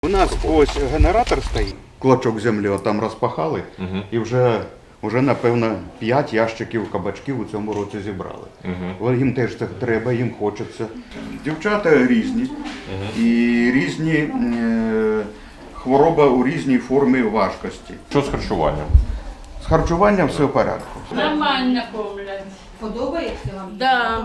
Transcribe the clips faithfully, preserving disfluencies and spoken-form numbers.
У нас ось генератор стоїть. Клочок землі там розпахали, Угу. і вже, вже напевно, п'ять ящиків кабачків у цьому році зібрали. Угу. Їм теж це треба, їм хочеться. Дівчата різні, Угу. і різні е, хвороба у різній формі важкості. Що з харчуванням? З харчуванням все в порядку. Нормально кормлять. Подобається вам? Да.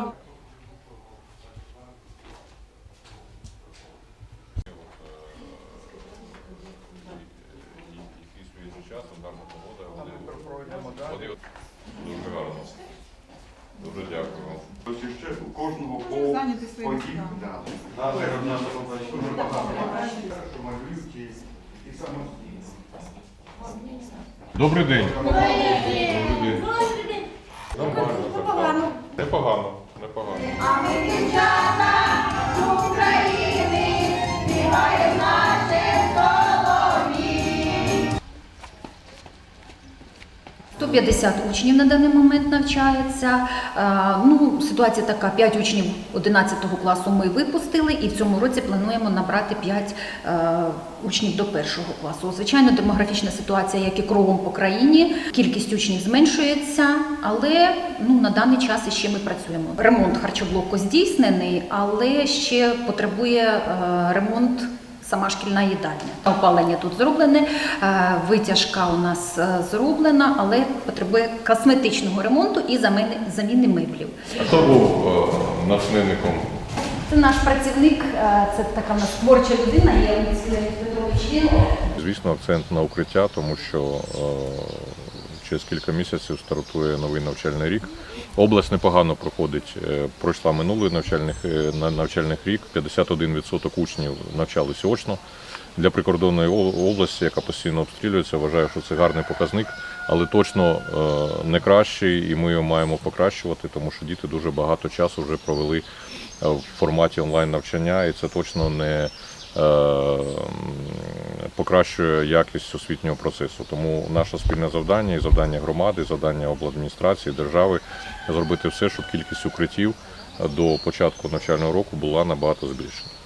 Дуже гарно. Дуже дякую. Ось ще у кожного по Зайняти свої по місця. дім, да. Да, це в нас дуже багато, що малюють і, і самостійно. Добрий день. Добрий день. Нормально. Непогано. Непогано. Непогано. А ми дівчата з України, співаємо наші солов'ї. сто п'ятдесят учнів на даний момент навчається. Е, Ну, ситуація така, п'ять учнів одинадцятого класу ми випустили, і в цьому році плануємо набрати п'ять е, учнів до першого класу. Звичайно, демографічна ситуація, як і кругом по країні, кількість учнів зменшується, але ну, на даний час іще ми працюємо. Ремонт харчоблоку здійснений, але ще потребує е, ремонт сама шкільна їдальня. Опалення тут зроблене, е, витяжка у нас е, зроблена, але потребує косметичного ремонту і заміни, заміни меблів. А хто був е, натхненником? Це наш працівник, е, це така в нас творча людина, є Леонід Леонід Петрович. Він Звісно, акцент на укриття, тому що е, через кілька місяців стартує новий навчальний рік. Область непогано проходить, е, пройшла минулий навчальних, е, на- навчальний рік, п'ятдесят один відсоток учнів навчалися очно. Для прикордонної о- області, яка постійно обстрілюється, вважаю, що це гарний показник, але точно е, не кращий, і ми його маємо покращувати, тому що діти дуже багато часу вже провели е, в форматі онлайн-навчання, і це точно не е, покращує якість освітнього процесу. Тому наше спільне завдання і завдання громади, і завдання обладміністрації, держави зробити все, щоб кількість укриттів до початку навчального року була набагато збільшена.